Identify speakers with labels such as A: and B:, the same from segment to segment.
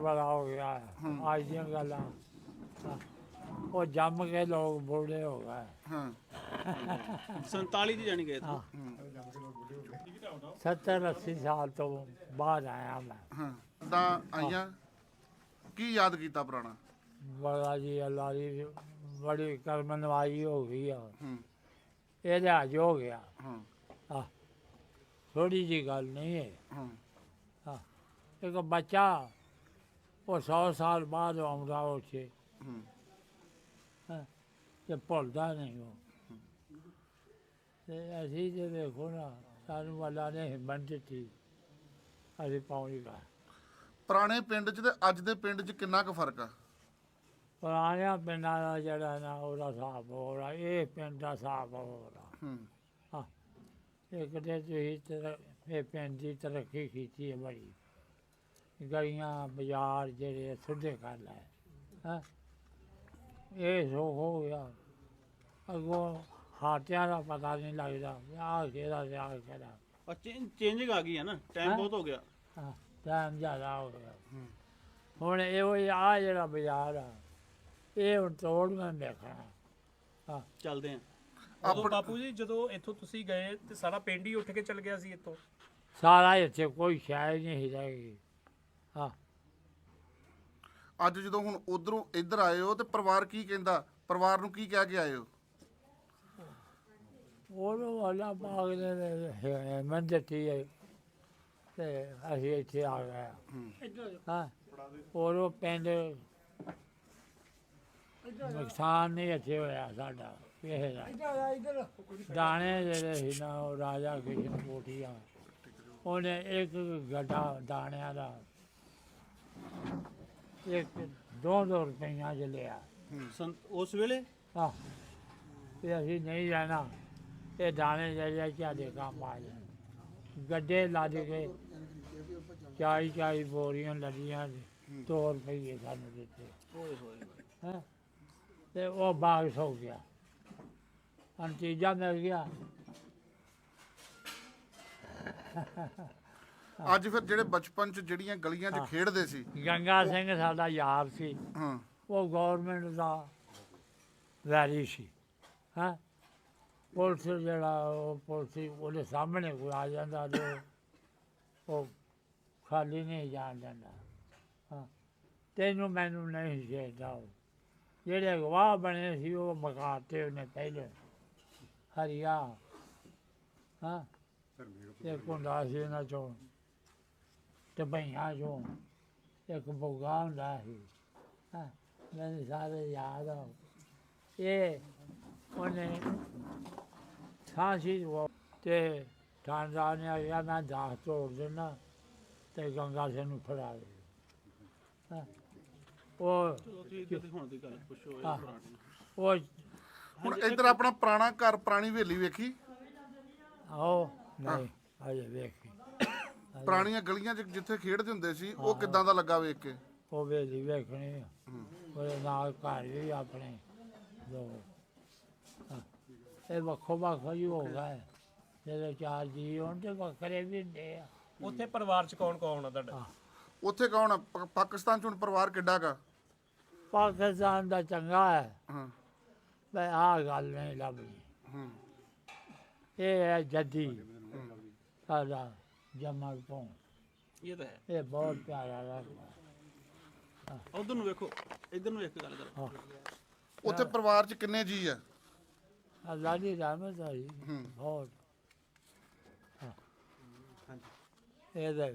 A: बड़ा हो गया है आज दी गल्लां वो जम के लोग बूढ़े हो गए
B: ਹਾਂ
C: 47 ਚ ਜਾਣੀ ਗਏ
A: हाँ 70-80 साल तो बाद आया मैं
B: ਹਾਂ ਤਾਂ ਆਈਆਂ ਕੀ ਯਾਦ ਕੀਤਾ ਪੁਰਾਣਾ
A: बड़ा जी अल्लाह की बड़ी कर्म नवाई हो गई है
B: ਹੂੰ
A: ये लिहाज हो गया
B: ਹਾਂ
A: हाँ थोड़ी जी गल नहीं है
B: ਹਾਂ
A: हाँ एक बच्चा वो 100 साल बाद आउंदा उसे
B: ਹੂੰ
A: ਤੇ ਭੁੱਲਦਾ ਨਹੀਂ ਉਹ ਤੇ ਅਸੀਂ ਜੇ ਦੇਖੋ ਨਾ ਸਾਨੂੰ ਵਾਲਾ ਨੇ ਹਿੰਮਤ ਦਿੱਤੀ ਅਸੀਂ ਪਹੁੰਚ ਗਏ
B: ਪੁਰਾਣੇ ਪਿੰਡ 'ਚ ਤੇ ਅੱਜ ਦੇ ਪਿੰਡ 'ਚ ਕਿੰਨਾ ਕੁ ਫਰਕ ਆ
A: ਪੁਰਾਣਿਆਂ ਪਿੰਡਾਂ ਦਾ ਜਿਹੜਾ ਨਾ ਉਹਦਾ ਹਿਸਾਬ ਹੋ ਰਿਹਾ ਇਹ ਪਿੰਡ ਦਾ ਹਿਸਾਬ ਹੋ ਰਿਹਾ
B: ਹੂੰ
A: ਹਾਂ ਇੱਕ ਤੇ ਤੁਸੀਂ ਇਹ ਪਿੰਡ ਦੀ ਤਰੱਕੀ ਕੀਤੀ ਹੈ ਬੜੀ ਗਲੀਆਂ ਬਾਜ਼ਾਰ ਜਿਹੜੇ ਸਿੱਧੇ ਕਰ ਲਏ ਹਾਂ ਇਹ ਸੋ ਹੋ ਗਿਆ ਅੱਗੋਂ ਹਾਟਿਆਂ ਦਾ ਪਤਾ ਨਹੀਂ ਲੱਗਦਾ ਆਹ ਕਿਹਦਾ ਤੇ ਆਹ ਕਿਹਦਾ
C: ਔਰ ਚੇਂਜਿੰਗ ਆ ਗਈ ਹੈ ਨਾ ਟਾਈਮ
A: ਹੈਂ?
C: ਬਹੁਤ ਹੋ ਗਿਆ
A: ਹਾਂ ਟਾਈਮ ਜ਼ਿਆਦਾ ਹੋ ਗਿਆ ਹੁਣ ਇਹੋ ਆ ਜਿਹੜਾ ਬਾਜ਼ਾਰ ਆ ਇਹ ਹੁਣ ਤੋੜ ਮੈਂ ਦੇਖਣਾ ਹਾਂ
C: ਚੱਲਦੇ ਆ
D: ਉਦੋਂ ਬਾਪੂ ਜੀ ਜਦੋਂ ਇੱਥੋਂ ਤੁਸੀਂ ਗਏ ਤੇ ਸਾਰਾ ਪਿੰਡ ਹੀ ਉੱਠ ਕੇ ਚੱਲ ਗਿਆ ਸੀ ਇੱਥੋਂ
A: ਸਾਰਾ ਇੱਥੇ ਕੋਈ ਸ਼ਾਇਦ ਨਹੀਂ ਰਹਿ ਗਈ ਹਾਂ
B: ਅੱਜ ਜਦੋਂ ਹੁਣ ਉਧਰੋਂ ਇੱਧਰ ਆਏ ਹੋ ਤੇ ਪਰਿਵਾਰ ਕੀ ਕਹਿੰਦਾ ਪਰਿਵਾਰ ਨੂੰ ਕੀ ਕਹਿ ਕੇ ਆਏ ਹੋ
A: ਉਹਨੂੰ ਵਾਲਾ ਬਾਗ ਨੇ ਮੰਦਤੀ ਹੈ ਤੇ ਅਸੀਂ ਇੱਥੇ ਆ ਗਏ ਹਾਂ ਉਹ ਪਿੰਡ ਨੁਕਸਾਨ ਨਹੀਂ ਇੱਥੇ ਹੋਇਆ ਸਾਡਾ ਕਿਸੇ ਦਾ ਦਾਣੇ ਜਿਹੜੇ ਸੀ ਨਾ ਉਹ ਰਾਜਾ ਕਿਸ਼ਨ ਕੋਠੀਆ ਉਹਨੇ ਇੱਕ ਗੱਡਾ ਦਾਣਿਆਂ ਦਾ ਇੱਕ 2 ਰੁਪਈਆ ਚ ਲਿਆ
C: ਉਸ ਵੇਲੇ
A: ਆਹ ਤੇ ਅਸੀਂ ਨਹੀਂ ਰਹਿਣਾ ਇਹ ਦਾਣੇ ਜਿਹੜੇ ਸਾਡੇ ਕੰਮ ਆ ਜਾਣ ਗੱਡੇ ਲੱਦ ਕੇ 40 ਬੋਰੀਆਂ ਲੱਦੀਆਂ 2 ਰੁਪਈਏ ਸਾਨੂੰ ਦਿੱਤੇ
C: ਓਏ ਹੋਏ
A: ਹੈਂ ਤੇ ਉਹ ਬਾਗ ਸੌ ਗਿਆ ਨਤੀਜਾ ਮਿਲ ਗਿਆ
B: ਅੱਜ ਫਿਰ ਜਿਹੜੇ ਬਚਪਨ 'ਚ ਜਿਹੜੀਆਂ ਗਲੀਆਂ 'ਚ ਖੇਡਦੇ ਸੀ
A: ਗੰਗਾ ਸਿੰਘ ਸਾਡਾ ਯਾਰ ਸੀ
B: ਹਾਂ
A: ਉਹ ਗੌਰਮੈਂਟ ਦਾ ਵੈਰੀ ਸੀ ਹਾਂ ਪੁਲਿਸ ਜਿਹੜਾ ਉਹ ਪੁਲਿਸ ਉਹਦੇ ਸਾਹਮਣੇ ਕੋਈ ਆ ਜਾਂਦਾ ਤੇ ਉਹ ਖਾਲੀ ਨਹੀਂ ਜਾਣ ਦਿੰਦਾ ਹਾਂ ਤੈਨੂੰ ਮੈਨੂੰ ਨਹੀਂ ਚਾਹੀਦਾ ਉਹ ਜਿਹੜੇ ਗਵਾਹ ਬਣੇ ਸੀ ਉਹ ਮਕਾਤੇ ਉਹਨੇ ਪਹਿਲੇ ਹਰੀਆ ਹਾਂ ਤੇ ਕੁੰਡਾ ਸੀ ਇਹਨਾਂ ਚੋਂ ਤੇ ਭਈਆਂ ਚੋਂ ਇੱਕ ਬੁੱਗਾ ਹੁੰਦਾ ਸੀ ਹਾਂ ਮੈਨੂੰ ਸਾਰੇ ਯਾਦ ਆ ਇਹ ਉਹਨੇ ਸਾਂਸੀ ਉਹ ਤੇ ਠਾਣਦਾਰ ਨੇ ਆਖਿਆ ਮੈਂ ਦਾਸ ਤੋੜ ਦੇਣਾ ਤੇ ਗੰਗਾ ਸਿੰਘ ਨੂੰ ਫੜਾ ਦੇ ਹਾਂ ਉਹ
C: ਚਲੋ ਤੁਸੀਂ ਇੱਧਰ ਦੀ ਹੁਣ ਦੀ ਗੱਲ ਪੁੱਛੋ ਇਹ
A: ਹਾਂ।
C: ਪੁਰਾਣੀ
A: ਉਹ
B: ਹੁਣ ਇੱਧਰ ਆਪਣਾ ਪੁਰਾਣਾ ਘਰ ਪੁਰਾਣੀ ਹਵੇਲੀ ਵੇਖੀ
A: ਆਓ ਨਹੀਂ ਅਜੇ ਵੇਖੀ
B: ਪੁਰਾਣੀਆਂ ਗਲੀਆਂ 'ਚ ਜਿੱਥੇ ਖੇਡਦੇ ਹੁੰਦੇ ਸੀ ਉਹ ਕਿੱਦਾਂ ਦਾ ਲੱਗਾ ਵੇਖ ਕੇ
A: ਉਹ ਵੇਲੀ ਵੇਖਣੀ ਆ ਉਹਦੇ ਨਾਲ ਘਰ ਵੀ ਆਪਣੇ ਦੋ ਹਾਂ। ਇਹ ਵੱਖੋ ਵੱਖ ਹੀ ਹੋ ਗਏ ਜਦੋਂ 4 ਜੀ ਹੋਣ ਤੇ ਵੱਖਰੇ ਵੀ ਹੁੰਦੇ ਆ
D: ਉੱਥੇ ਪਰਿਵਾਰ ਚ ਕੌਣ ਕੌਣ ਆ ਤੁਹਾਡਾ
B: ਉੱਥੇ ਕੌਣ ਆ? ਪਾਕਿਸਤਾਨ 'ਚ ਹੁਣ ਪਰਿਵਾਰ ਕਿੱਡਾ ਕਾ
A: ਪਾਕਿਸਤਾਨ ਦਾ ਚੰਗਾ ਹੈ
B: ਹਾਂ
A: ਮੈਂ ਆਹ ਗੱਲ ਨਹੀਂ ਲੱਭਦੀ
B: ਹੂੰ
A: ਇਹ ਹੈ ਜੱਦੀ ਸਾਡਾ ਜਮਲ ਤੋਂ
C: ਇਹ ਤਾਂ ਹੈ
A: ਇਹ ਬਹੁਤ ਪਿਆਰਾ ਲੱਗਦਾ
C: ਉਧਰ ਨੂੰ ਵੇਖੋ ਇੱਧਰ ਨੂੰ ਇੱਕ ਗੱਲ ਕਰੋ
A: ਹਾਂ
B: ਉੱਥੇ ਪਰਿਵਾਰ 'ਚ ਕਿੰਨੇ ਜੀ ਆ
A: ਅੱਲਾ ਦੀ ਰਹਿਮਤ ਹੈ
B: ਹੂੰ।
A: ਬਹੁਤ ਹਾਂ ਇਹ ਦੇਖ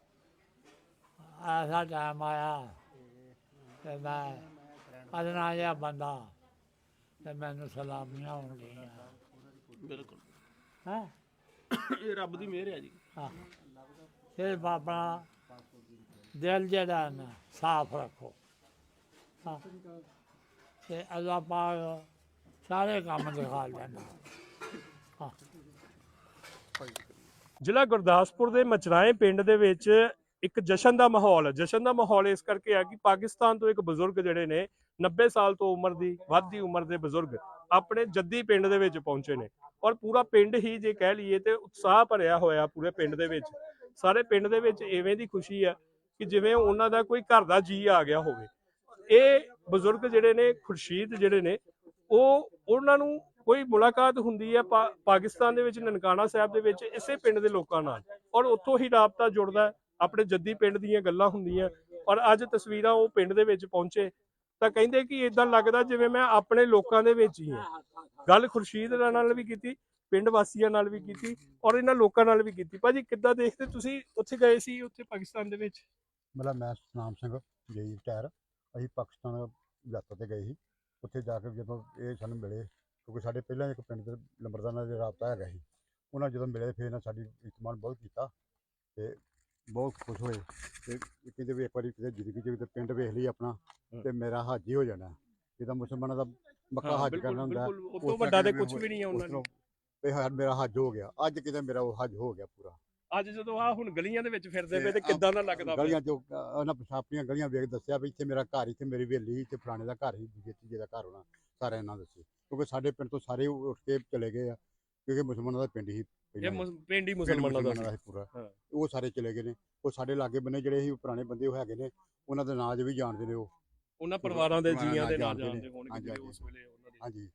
A: ਐਸਾ ਟਾਈਮ ਆਇਆ ਤੇ ਮੈਂ ਅਦਨਾ ਜਿਹਾ ਬੰਦਾ ਤੇ ਮੈਨੂੰ ਸਲਾਮੀਆਂ ਹੋਣਗੀਆਂ
C: ਬਿਲਕੁਲ
A: ਹੈਂ
C: ਇਹ ਰੱਬ ਦੀ ਮਿਹਰ ਹੈ ਜੀ
A: ਹਾਂ ਸਿਰਫ ਆਪਣਾ ਦਿਲ ਜਿਹੜਾ ਨਾ ਸਾਫ਼ ਰੱਖੋ ਹਾਂ ਤੇ ਅੱਲਾਹ ਪਾਕ ਸਾਰੇ ਕੰਮ ਦਿਖਾ ਲੈਂਦਾ ਹਾਂ
D: ਜ਼ਿਲ੍ਹਾ ਗੁਰਦਾਸਪੁਰ ਦੇ ਮਚਰਾਏ ਪਿੰਡ ਦੇ ਵਿੱਚ ਇੱਕ ਜਸ਼ਨ ਦਾ ਮਾਹੌਲ ਇਸ ਕਰਕੇ ਆ ਕਿ ਪਾਕਿਸਤਾਨ ਤੋਂ ਇੱਕ ਬਜ਼ੁਰਗ ਜਿਹੜੇ ਨੇ 90 ਸਾਲ ਤੋਂ ਉਮਰ ਦੀ ਵੱਧਦੀ ਉਮਰ ਦੇ ਬਜ਼ੁਰਗ ਆਪਣੇ ਜੱਦੀ ਪਿੰਡ ਦੇ ਵਿੱਚ ਪਹੁੰਚੇ ਨੇ ਔਰ ਪੂਰਾ ਪਿੰਡ ਹੀ ਜੇ ਕਹਿ ਲਈਏ ਤੇ ਉਤਸ਼ਾਹ ਭਰਿਆ ਹੋਇਆ ਪੂਰੇ ਪਿੰਡ ਦੇ ਵਿੱਚ ਸਾਰੇ ਪਿੰਡ ਦੇ ਵਿੱਚ ਐਵੇਂ ਦੀ ਖੁਸ਼ੀ ਆ ਕਿ ਜਿਵੇਂ ਉਹਨਾਂ ਦਾ ਕੋਈ ਘਰ ਦਾ ਜੀ ਆ ਗਿਆ ਹੋਵੇ। ਇਹ ਬਜ਼ੁਰਗ ਜਿਹੜੇ ਨੇ ਖੁਰਸ਼ੀਦ ਜਿਹੜੇ ਨੇ ਉਹਨਾਂ ਨੂੰ ਕੋਈ ਮੁਲਾਕਾਤ ਹੁੰਦੀ ਹੈ ਪਾਕਿਸਤਾਨ ਦੇ ਵਿੱਚ ਨਨਕਾਣਾ ਸਾਹਿਬ ਦੇ ਵਿੱਚ ਇਸੇ ਪਿੰਡ ਦੇ ਲੋਕਾਂ ਨਾਲ, ਔਰ ਉੱਥੋਂ ਹੀ ਰਾਬਤਾ ਜੁੜਦਾ, ਆਪਣੇ ਜੱਦੀ ਪਿੰਡ ਦੀਆਂ ਗੱਲਾਂ ਹੁੰਦੀਆਂ। ਔਰ ਅੱਜ ਤਸਵੀਰਾਂ ਉਹ ਪਿੰਡ ਦੇ ਵਿੱਚ ਪਹੁੰਚੇ ਤਾਂ ਕਹਿੰਦੇ ਕਿ ਇਦਾਂ ਲੱਗਦਾ ਜਿਵੇਂ ਮੈਂ ਆਪਣੇ ਲੋਕਾਂ ਦੇ ਵਿੱਚ ਹੀ ਹਾਂ। ਗੱਲ ਖੁਰਸ਼ੀਦ ਨਾਲ ਵੀ ਕੀਤੀ, ਪਿੰਡ ਵਾਸੀਆਂ ਨਾਲ ਵੀ ਕੀਤੀ, ਔਰ ਇਹਨਾਂ ਲੋਕਾਂ ਨਾਲ ਵੀ ਕੀਤੀ। ਭਾਜੀ ਕਿੱਦਾਂ ਦੇਖਦੇ ਤੁਸੀਂ? ਉੱਥੇ ਗਏ ਸੀ, ਉੱਥੇ ਪਾਕਿਸਤਾਨ ਦੇ ਵਿੱਚ?
E: ਮਤਲਬ ਮੈਂ ਸਤਨਾਮ ਸਿੰਘ ਜਈ ਰਿਟਾਇਰ, ਅਸੀਂ ਪਾਕਿਸਤਾਨ ਯਾਤਰਾ ਤੇ ਗਏ ਸੀ। ਉੱਥੇ ਜਾ ਕੇ ਜਦੋਂ ਇਹ ਸਾਨੂੰ ਮਿਲੇ, ਕਿਉਂਕਿ ਸਾਡੇ ਪਹਿਲਾਂ ਇੱਕ ਪਿੰਡ ਦੇ ਲੰਬਰਦਾਰਾਂ ਦਾ ਰਾਬਤਾ ਹੈਗਾ ਸੀ, ਉਹਨਾਂ ਜਦੋਂ ਮਿਲੇ ਫਿਰ ਇਹਨਾਂ ਸਾਡੀ ਇਤਮਾਨ ਬਹੁਤ ਕੀਤਾ ਤੇ ਬਹੁਤ ਖੁਸ਼ ਹੋਏ ਤੇ ਕਹਿੰਦੇ ਵੀ ਇੱਕ ਵਾਰੀ ਕਿਤੇ ਜ਼ਿੰਦਗੀ 'ਚ ਪਿੰਡ ਵੇਖ ਲਈ ਆਪਣਾ ਤੇ ਮੇਰਾ ਹੱਜ ਹੀ ਹੋ ਜਾਣਾ। ਜਿੱਦਾਂ ਮੁਸਲਮਾਨਾਂ ਦਾ ਮੱਕਾ ਹੱਜ ਕਰਨਾ ਹੁੰਦਾ,
D: ਉਹ ਤੋਂ ਵੱਡਾ ਤੇ ਕੁਝ ਵੀ ਨਹੀਂ ਹੈ ਉਹਨਾਂ ਨੂੰ।
E: ਮੇਰਾ ਹੱਜ ਹੋ ਗਿਆ, ਅੱਜ ਕਿਤੇ ਮੇਰਾ ਉਹ ਹੱਜ ਹੋ ਗਿਆ ਪੂਰਾ।
D: ਅੱਜ ਜਦੋਂ ਆ ਹੁਣ ਗਲੀਆਂ ਦੇ ਵਿੱਚ ਫਿਰਦੇ ਪਏ ਤੇ ਕਿੱਦਾਂ ਦਾ ਲੱਗਦਾ?
E: ਗਲੀਆਂ 'ਚ ਉਹਨਾਂ ਆਪਣੀਆਂ ਗਲੀਆਂ ਵੇਖ ਦੱਸਿਆ ਵੀ ਇੱਥੇ ਮੇਰਾ ਘਰ, ਇੱਥੇ ਮੇਰੀ ਹਵੇਲੀ, ਇੱਥੇ ਫਲਾਣੇ ਦਾ ਘਰ ਹੀ, ਤੀਜੇ ਦਾ ਘਰ ਹੋਣਾ, ਸਾਰਿਆਂ ਨਾਲ ਦੱਸੇ। ਕਿਉਂਕਿ ਸਾਡੇ ਪਿੰਡ ਤੋਂ ਸਾਰੇ ਉੱਠ ਕੇ ਚਲੇ ਗਏ ਆ, ਕਿਉਂਕਿ ਮੁਸਲਮਾਨਾਂ ਦਾ ਪਿੰਡ ਹੀ
D: ਪਿੰਡ ਹੀ ਮੁਸਲਮਾਨਾਂ ਦਾ
E: ਸੀ ਪੂਰਾ। ਉਹ ਸਾਰੇ ਚਲੇ ਗਏ ਨੇ। ਉਹ ਸਾਡੇ ਲਾਗੇ ਬੰਨੇ ਜਿਹੜੇ ਸੀ ਪੁਰਾਣੇ ਬੰਦੇ ਉਹ ਹੈਗੇ ਨੇ, ਉਹਨਾਂ ਦੇ ਨਾਂ ਵੀ ਜਾਣਦੇ ਨੇ, ਉਹਨਾਂ
D: ਪਰਿਵਾਰਾਂ ਦੇ ਜੀਆਂ ਦੇ ਨਾਂ ਜਾਣਦੇ ਹੋਣਗੇ ਉਸ ਵੇਲੇ ਉਹਨਾਂ ਦੇ।
E: ਹਾਂਜੀ।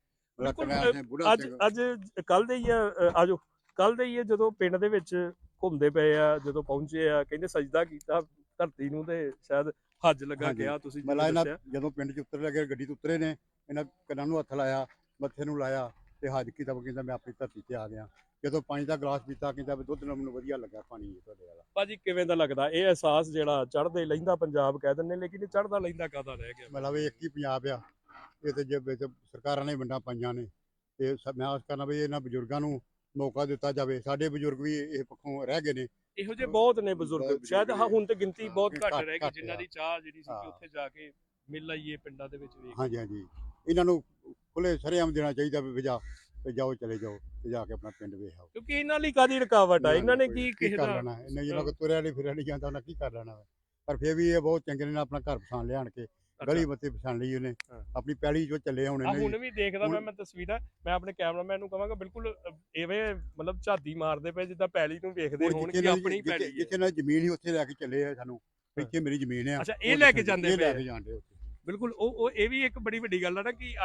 D: ਅੱਜ ਕੱਲ ਦੇ ਹੀ ਆਜੋ ਕੱਲ ਦੇ ਹੀ ਜਦੋਂ ਪਿੰਡ ਦੇ ਵਿੱਚ ਘੁੰਮਦੇ ਪਏ ਆ, ਜਦੋਂ ਪਹੁੰਚੇ ਆ, ਕਹਿੰਦੇ ਸਜਦਾ ਕੀਤਾ ਧਰਤੀ ਨੂੰ ਤੇ ਸ਼ਾਇਦ ਹੱਜ ਲੱਗਾ ਗਿਆ। ਤੁਸੀਂ
E: ਜਦੋਂ ਪਿੰਡ 'ਚ ਉਤਰ ਲੱਗੇ, ਗੱਡੀ ਤੋਂ ਉਤਰੇ ਨੇ, ਇਹਨਾਂ ਕੰਨਾਂ ਨੂੰ ਹੱਥ ਲਾਇਆ, ਮੱਥੇ ਨੂੰ ਲਾਇਆ ਤੇ ਹੱਜ ਕੀਤਾ। ਕਹਿੰਦਾ ਮੈਂ ਆਪਣੀ ਧਰਤੀ ਤੇ ਆ ਗਿਆ। ਜਦੋਂ ਪਾਣੀ ਦਾ ਗਲਾਸ ਪੀਤਾ, ਕਹਿੰਦਾ ਵੀ ਦੁੱਧ ਨਾਲ ਮੈਨੂੰ ਵਧੀਆ ਲੱਗਾ ਪਾਣੀ ਤੁਹਾਡੇ ਵਾਲਾ।
D: ਭਾਜੀ ਕਿਵੇਂ ਦਾ ਲੱਗਦਾ ਇਹ ਅਹਿਸਾਸ ਜਿਹੜਾ ਚੜ੍ਹਦੇ ਲਹਿੰਦਾ ਪੰਜਾਬ ਕਹਿ ਦਿੰਦੇ, ਲੇਕਿਨ ਇਹ ਚੜ੍ਹਦਾ ਲਹਿੰਦਾ ਕਾਹਦਾ ਰਹਿ ਗਿਆ?
E: ਮਤਲਬ ਇਹ ਇੱਕ ਹੀ ਪੰਜਾਬ ਆ, ਇਹ ਤੇ ਜੇ ਵਿੱਚ ਸਰਕਾਰਾਂ ਨੇ ਵੰਡਾਂ ਪਾਈਆਂ ਨੇ ਤੇ ਮੈਂ ਆਸ ਕਰਨਾ ਵੀ ਇਹਨਾਂ ਬਜ਼ੁਰਗਾਂ ਨੂੰ ਮੌਕਾ ਦਿੱਤਾ ਜਾਵੇ। ਸਾਡੇ ਬਜ਼ੁਰਗ ਵੀ ਇਹ ਪੱਖੋਂ ਰਹਿ ਗਏ ਨੇ,
D: ਇਹੋ ਜਿਹੇ ਬਹੁਤ ਨੇ ਬਜ਼ੁਰਗ, ਸ਼ਾਇਦ ਹੁਣ ਤੇ ਗਿਣਤੀ ਬਹੁਤ ਘੱਟ ਰਹਿ ਗਈ ਜਿਨ੍ਹਾਂ ਦੀ ਚਾਹ ਜਿਹੜੀ ਸੀ ਕਿ ਉੱਥੇ ਜਾ ਕੇ ਮਿਲ ਆਈਏ ਪਿੰਡਾਂ ਦੇ ਵਿੱਚ ਵੇਖ।
E: ਹਾਂਜੀ ਹਾਂਜੀ, ਇਹਨਾਂ ਨੂੰ ਖੁੱਲੇ ਸਰੇਆਮ ਦੇਣਾ ਚਾਹੀਦਾ ਵੀ ਜਾਓ ਚਲੇ ਜਾਓ ਤੇ ਜਾ ਕੇ ਆਪਣਾ ਪਿੰਡ ਵੇਖ ਆਓ।
D: ਕਿਉਂਕਿ ਇਹਨਾਂ ਲਈ ਕਾਦੀ ਰੁਕਾਵਟ ਆ? ਇਹਨਾਂ ਨੇ ਕੀ
E: ਕਰ ਲੈਣਾ? ਇਹਨਾਂ ਜਿਹਨਾਂ ਕੋ ਤੁਰਿਆ ਨਹੀਂ ਫਿਰਿਆ ਨਹੀਂ ਜਾਂਦਾ, ਉਹਨਾਂ ਕੀ ਕਰ ਲੈਣਾ? ਪਰ ਫਿਰ ਵੀ ਇਹ ਬਹੁਤ ਚੰਗੇ ਨੇ, ਆਪਣਾ ਘਰ ਪਛਾਣ ਲਿਆਣ ਕੇ, ਗਲੀ ਬੱਤੀ ਪਛਾਣ ਲਈ ਉਹਨੇ, ਆਪਣੀ ਪੈਲੀ ਜੋ ਚੱਲੇ ਹੁਣ
D: ਹੁਣ ਵੀ ਦੇਖਦਾ ਮੈਂ ਤਸਵੀਰਾਂ। ਮੈਂ ਆਪਣੇ ਕੈਮਰਾਮੈਨ ਨੂੰ ਕਹਾਂਗਾ ਬਿਲਕੁਲ ਇਵੇਂ ਮਤਲਬ ਝਾਤੀ ਮਾਰਦੇ ਪਏ ਜਿੱਦਾਂ ਪੈਲੀ ਨੂੰ ਵੇਖਦੇ ਹੋਣ ਕਿ ਆਪਣੀ ਪੈਲੀ।
E: ਜਿੱਥੇ ਨਾਲ ਜ਼ਮੀਨ ਹੀ ਉੱਥੇ ਲੈ ਕੇ ਚੱਲੇ ਆ ਸਾਨੂੰ, ਇੱਥੇ ਮੇਰੀ ਜ਼ਮੀਨ ਆ।
D: ਅੱਛਾ, ਇਹ ਲੈ ਕੇ ਜਾਂਦੇ
E: ਲੈ ਕੇ ਜਾਂਦੇ ਉੱਥੇ।
D: ਬਿਲਕੁਲ, ਉਹ ਇਹ ਵੀ ਇੱਕ ਬੜੀ ਵੱਡੀ ਗੱਲ ਆ ਨਾ ਕਿ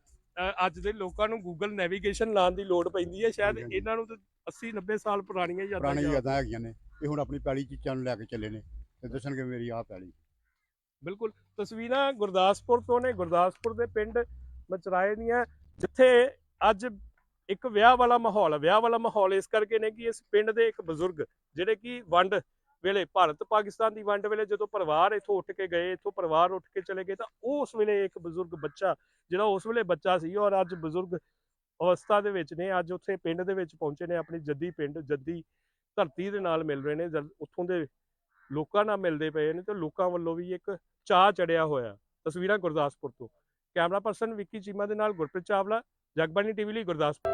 D: ਅੱਜ ਦੇ ਲੋਕਾਂ ਨੂੰ ਗੂਗਲ ਨੈਵੀਗੇਸ਼ਨ ਲਾਉਣ ਦੀ ਲੋੜ ਪੈਂਦੀ ਹੈ। ਸ਼ਾਇਦ ਇਹਨਾਂ ਨੂੰ ਤਾਂ 80-90 ਸਾਲ ਪੁਰਾਣੀਆਂ
E: ਯਾਦਾਂ ਹੈਗੀਆਂ ਨੇ। ਇਹ ਹੁਣ ਆਪਣੀ ਪੈਲੀ ਚੀਜ਼ਾਂ ਨੂੰ ਲੈ ਕੇ ਚੱਲੇ ਨੇ ਤੇ ਦੱਸਣਗੇ ਮੇਰੀ ਆਹ ਪੈਲੀ।
D: ਬਿਲਕੁਲ, ਤਸਵੀਰਾਂ ਗੁਰਦਾਸਪੁਰ ਤੋਂ ਨੇ, ਗੁਰਦਾਸਪੁਰ ਦੇ ਪਿੰਡ ਮਚਰਾਏ ਦੀਆਂ, ਜਿੱਥੇ ਅੱਜ ਇੱਕ ਵਿਆਹ ਵਾਲਾ ਮਾਹੌਲ ਇਸ ਕਰਕੇ ਨੇ ਕਿ ਇਸ ਪਿੰਡ ਦੇ ਇੱਕ ਬਜ਼ੁਰਗ ਜਿਹੜੇ ਕਿ ਵੰਡ ਵੇਲੇ, ਭਾਰਤ ਪਾਕਿਸਤਾਨ ਦੀ ਵੰਡ ਵੇਲੇ ਜਦੋਂ ਪਰਿਵਾਰ ਇੱਥੋਂ ਉੱਠ ਕੇ ਗਏ, ਇੱਥੋਂ ਪਰਿਵਾਰ ਉੱਠ ਕੇ ਚਲੇ ਗਏ, ਤਾਂ ਉਸ ਵੇਲੇ ਇੱਕ ਬਜ਼ੁਰਗ ਬੱਚਾ ਜਿਹੜਾ ਉਸ ਵੇਲੇ ਬੱਚਾ ਸੀ ਔਰ ਅੱਜ ਬਜ਼ੁਰਗ ਅਵਸਥਾ ਦੇ ਵਿੱਚ ਨੇ, ਅੱਜ ਉੱਥੇ ਪਿੰਡ ਦੇ ਵਿੱਚ ਪਹੁੰਚੇ ਨੇ, ਆਪਣੀ ਜੱਦੀ ਪਿੰਡ, ਜੱਦੀ ਧਰਤੀ ਦੇ ਨਾਲ ਮਿਲ ਰਹੇ ਨੇ, ਉੱਥੋਂ ਦੇ ਲੋਕਾਂ ਨਾਲ ਮਿਲਦੇ ਪਏ ਨੇ ਤੇ ਲੋਕਾਂ ਵੱਲੋਂ ਵੀ ਇੱਕ ਚਾਅ ਚੜਿਆ ਹੋਇਆ। ਤਸਵੀਰਾਂ ਗੁਰਦਾਸਪੁਰ ਤੋਂ, ਕੈਮਰਾ ਪਰਸਨ ਵਿੱਕੀ ਚੀਮਾ ਦੇ ਨਾਲ ਗੁਰਪ੍ਰੀਤ ਚਾਵਲਾ, ਜਗਬਾਣੀ ਟੀਵੀ ਲਈ ਗੁਰਦਾਸਪੁਰ।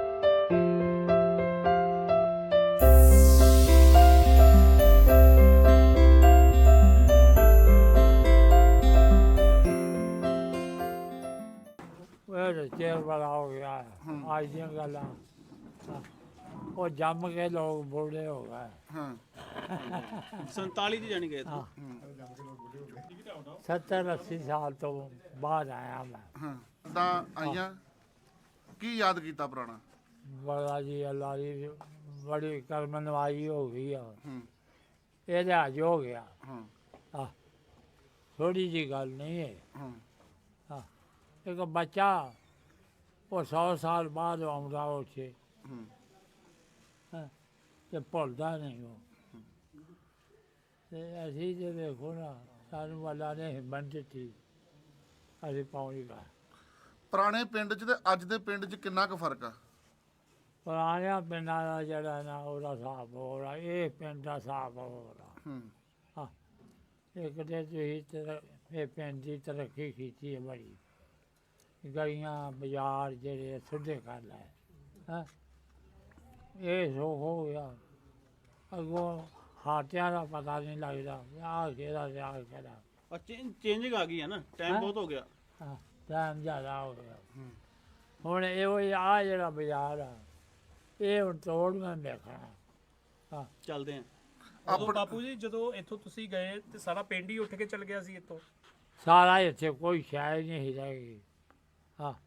A: ਚੇਰ ਵਾਲਾ ਹੋ ਗਿਆ ਅੱਜ ਦੀਆਂ ਗੱਲਾਂ, ਉਹ ਜੰਮ ਕੇ ਲੋਕ ਬੁੱਢੇ ਹੋ ਗਏ।
B: ਹਾਂ
C: 47 ਚ ਜਾਣੀ ਗਏ ਤੂੰ?
A: 70-80 ਸਾਲ ਤੋਂ ਬਾਅਦ ਆਇਆ ਮੈਂ।
B: ਹਾਂ ਤਾਂ ਆਈਆਂ ਕੀ ਯਾਦ ਕੀਤਾ ਪੁਰਾਣਾ?
A: ਬੜਾ ਜੀ ਅੱਲਾ ਦੀ ਬੜੀ ਕਰਮ ਨਵਾਈ ਹੋ ਗਈ ਆ,
B: ਹੂੰ
A: ਇਹ ਲਿਹਾਜ਼ ਹੋ ਗਿਆ।
B: ਹਾਂ
A: ਥੋੜੀ ਜੀ ਗੱਲ ਨਹੀਂ ਹੈ।
B: ਹਾਂ
A: ਇੱਕ ਬੱਚਾ ਉਹ 100 ਸਾਲ ਬਾਅਦ ਆਉਂਦਾ ਉੱਥੇ
B: ਹੂੰ
A: ਤੇ ਭੁੱਲਦਾ ਨਹੀਂ ਉਹ। ਤੇ ਅਸੀਂ ਜੇ ਵੇਖੋ ਨਾ, ਸਾਨੂੰ ਅੱਲਾ ਨੇ ਹਿੰਮਤ ਦਿੱਤੀ, ਅਸੀਂ ਪਹੁੰਚ ਗਏ।
B: ਪੁਰਾਣੇ ਪਿੰਡ 'ਚ ਤੇ ਅੱਜ ਦੇ ਪਿੰਡ 'ਚ ਕਿੰਨਾ ਕੁ ਫਰਕ ਆ?
A: ਪੁਰਾਣਿਆਂ ਪਿੰਡਾਂ ਦਾ ਜਿਹੜਾ ਨਾ ਉਹਦਾ ਹਿਸਾਬ ਹੋ ਰਿਹਾ, ਇਹ ਪਿੰਡ ਦਾ ਹਿਸਾਬ ਹੋ ਰਿਹਾ। ਹਾਂ, ਇੱਕ ਤੇ ਤੁਸੀਂ ਇਹ ਪਿੰਡ ਦੀ ਤਰੱਕੀ ਕੀਤੀ ਹੈ ਬੜੀ, ਗਲੀਆਂ ਬਾਜ਼ਾਰ ਜਿਹੜੇ ਸਿੱਧੇ ਕਰ ਲਏ, ਹਾਂ ਇਹ ਸੁੱਖ ਹੋ ਗਿਆ। ਅੱਗੋਂ ਹਾਟਿਆਂ ਦਾ ਪਤਾ ਨਹੀਂ ਲੱਗਦਾ, ਆਹ ਕਿਹਦਾ ਤੇ ਆਹ ਕਿਹਦਾ।
C: ਚੇਂਜਿੰਗ ਆ ਗਈ ਹੈ ਨਾ, ਟਾਈਮ ਬਹੁਤ ਹੋ ਗਿਆ।
A: ਹਾਂ, ਟਾਈਮ ਜ਼ਿਆਦਾ ਹੋ ਗਿਆ। ਹੁਣ ਇਹੋ ਆਹ ਜਿਹੜਾ ਬਾਜ਼ਾਰ ਆ, ਇਹ ਹੁਣ ਤੋੜਨਾ ਦੇਖਣਾ। ਹਾਂ
C: ਚੱਲਦੇ ਆ।
D: ਉਦੋਂ ਬਾਪੂ ਜੀ ਜਦੋਂ ਇੱਥੋਂ ਤੁਸੀਂ ਗਏ ਤੇ ਸਾਰਾ ਪਿੰਡ ਹੀ ਉੱਠ ਕੇ ਚੱਲ ਗਿਆ ਸੀ ਇੱਥੋਂ?
A: ਸਾਰਾ ਇੱਥੇ ਕੋਈ ਸ਼ਾਇਦ ਨਹੀਂ ਰਹਿ ਗਈ। ਹਾਂ